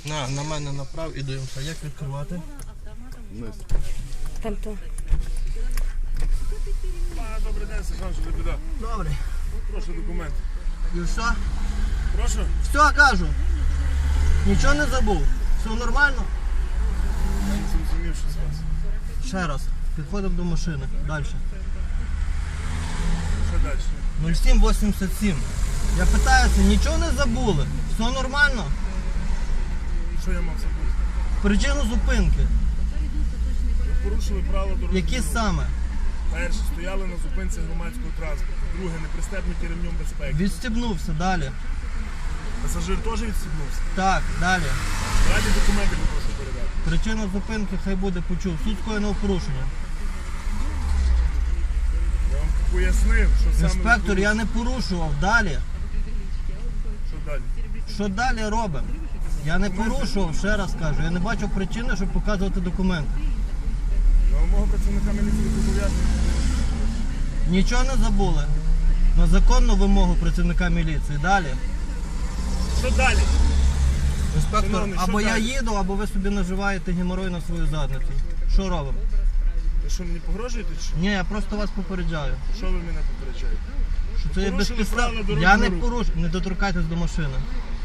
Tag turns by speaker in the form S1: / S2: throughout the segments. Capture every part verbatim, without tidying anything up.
S1: На, на мене направ і дивимося. Як відкривати?
S2: Вниз.
S3: Там то.
S2: А, добрий день, сержант, що за біда.
S1: Добре.
S2: Прошу документ.
S1: І все?
S2: Прошу?
S1: Все, кажу. Нічого не забув. Все нормально?
S2: Я не зрозумів, що з вас.
S1: Ще раз. Підходимо до машини. Далі.
S2: Що далі?
S1: нуль сім вісімдесят сім. Я питаюся, нічого не забули? Все нормально?
S2: Що я мав забути?
S1: Причину зупинки.
S2: Ви порушили правила дорожнього
S1: Які
S2: руху.
S1: саме?
S2: Перше, стояли на зупинці громадського транспорту. Друге, не пристебнуті ремнем безпеки.
S1: Відстібнувся. Далі.
S2: Пасажир теж відстібнувся.
S1: Так, далі.
S2: Раді документи попрошу передати.
S1: Причина зупинки хай буде почув. Суд скоєного порушення.
S2: Я вам пояснив, що саме...
S1: Інспектор,
S2: ви
S1: я не порушував. Далі.
S2: Що далі?
S1: Що далі робимо? Я не порушував, ще раз кажу. Я не бачу причини, щоб показувати документи.
S2: На вимогу працівника міліції зобов'язані.
S1: Нічого не забули. На законну вимогу працівника міліції. Далі.
S2: Що далі?
S1: Інспектор,
S2: Шановний,
S1: або
S2: що
S1: я
S2: далі?
S1: їду, або ви собі наживаєте геморой на свою задницю. Що робимо?
S2: Ви що, мені погрожуєте чи що?
S1: Ні, я просто вас попереджаю.
S2: Що ви мене попереджаєте?
S1: Що це є
S2: Порушили
S1: безпідстав...
S2: правила дорожнього
S1: Я не
S2: руху.
S1: порушую. Не доторкайтесь до машини.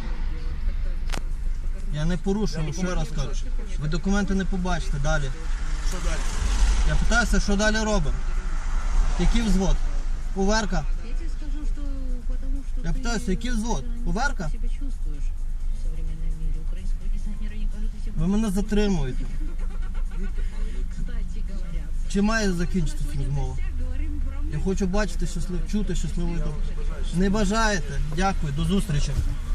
S1: Я не
S2: Я
S1: порушую, ще
S2: документи
S1: раз кажу.
S2: бачу.
S1: Ви документи не побачите. Далі.
S2: Що далі?
S1: Я питаюся, що далі робимо? Який взвод? Уверка?
S4: Я тебе скажу, что потому что
S1: Я
S4: ты
S1: пытаюсь, який взвод?
S4: не
S1: Уверка?
S4: себя чувствуешь в современном мире. Украинского дизайнера не кажут себе.
S1: Ви мене затримуєте.
S4: Кстати говоря,
S1: Чи має закінчитися розмова?
S4: говорим про
S1: Я хочу бачити щаслив... чути щасливий дом. Не бажаєте? Дякую, до зустрічі.